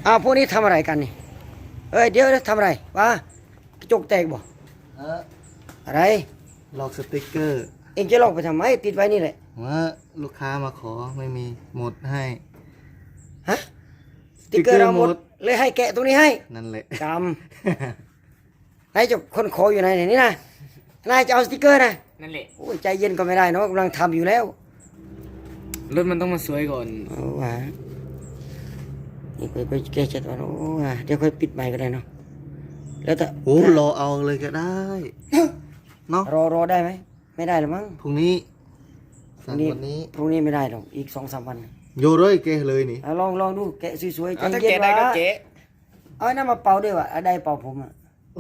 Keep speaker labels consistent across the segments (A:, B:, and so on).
A: พวกนี้ทำอะไรกันนี่เอ้ยเดี๋ยวทำอะไรวะกระจกแตกบ่อะไร
B: ลอกสติกเกอร์
A: เองจะลอกไปทำไมติดไว้นี่แหละ
B: ว่าลูกค้ามาขอไม่มีหมดให้
A: ฮะสติกเกอร์เราหมดเลยให้แกะตรงนี้ให้
B: นั่นแหละ
A: กำนายจะคนขออยู่ไหนนี่นะนายจะเอาสติกเกอร์นะ
C: นั่นแหละ
A: โอ้ยใจเย็นก็ไม่ได้เนาะกำลังทำอยู่แล้ว
C: รถมันต้องมาสวยก่อน
A: โอ้ว่ะนี่ไปแก้เช็ดก่อนโอ้ว่ะเดี๋ยวค่อยปิดใหม่ก็ได้เนาะแล้วแต่
B: โอ้รอเอาเลยก็ได้เนาะ
A: รอได้ไหมไม่ได้หรือมั้ง
B: พรุ่งนี้สั่งวันนี้
A: พรุ่งนี้ไม่ได้หรอกอีก2-3 วัน
B: โยเลยแกเลยนี่
A: ลองดูแกะสวยๆใจ
C: ถ้า
A: เย็น
C: แกะได้ก็
A: วะ
C: แกะ
A: เอาน้ำมาเป่าด้วยวะได้เป่าผมอ่ะ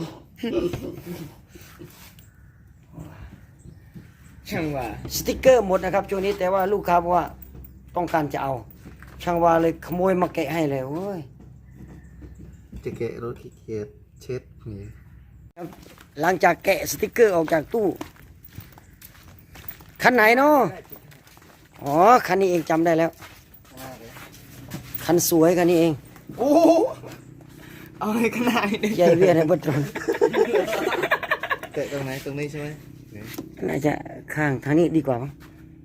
C: ช่างว่า
A: สติกเกอร์หมดนะครับช่วงนี้แต่ว่าลูกค้าบอกว่าต้องการจะเอาช่างว่าเลยขโมยมาแกะให้เลยโอ้ย
B: จะแกะรถขี้เกียจเช็ดนี่
A: หลังจากแกะสติกเกอร์ออกจากตู้คันไหนเนาะอ๋อคันนี้เองจำได้แล้วคันสวยคันนี้เอง
C: โอ้เอาให้ขนาดนี้
A: ใหญ่เวียนในบัตร
B: แกะตรงไหนตรงนี้ใช่ไหม
A: น่าจะข้างทางนี้ดีกว่ามั้ง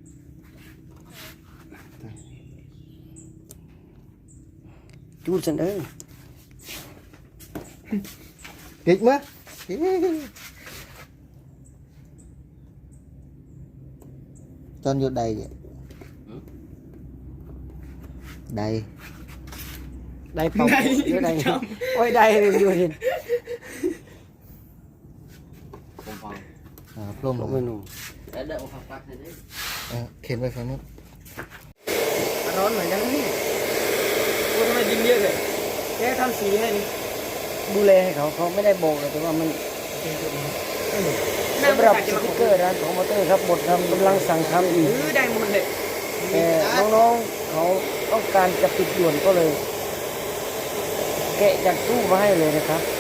A: จูดสัน
B: เด็กมั้ยจอนอยู่ใดvậy đây
A: ได้เป่าหรือได้โอ้ยได้เลยอยู่ดิ
C: ผมฟัง
B: พร้อมลง
A: ไม่รู้
C: แล้วเดี๋ยวผมฟังให้ได้
B: เข็นไปฝั่งนู้น
A: ร้อนเหมือนกันนี่
C: โอ้ทำไมยิงเยอะเลย
A: แกทำสีให้ดูแลให้เขาไม่ได้บอกแต่ว่ามันสำหรับสติกเกอร์ร้านของมอเตอร์ครับหมดทำกำลังสั่งทำอีก
C: ได้หมดเลย
A: แต่น้องๆเขาต้องการจะปิดด่วนก็เลยแกะจากตู้มาให้เลยนะครับ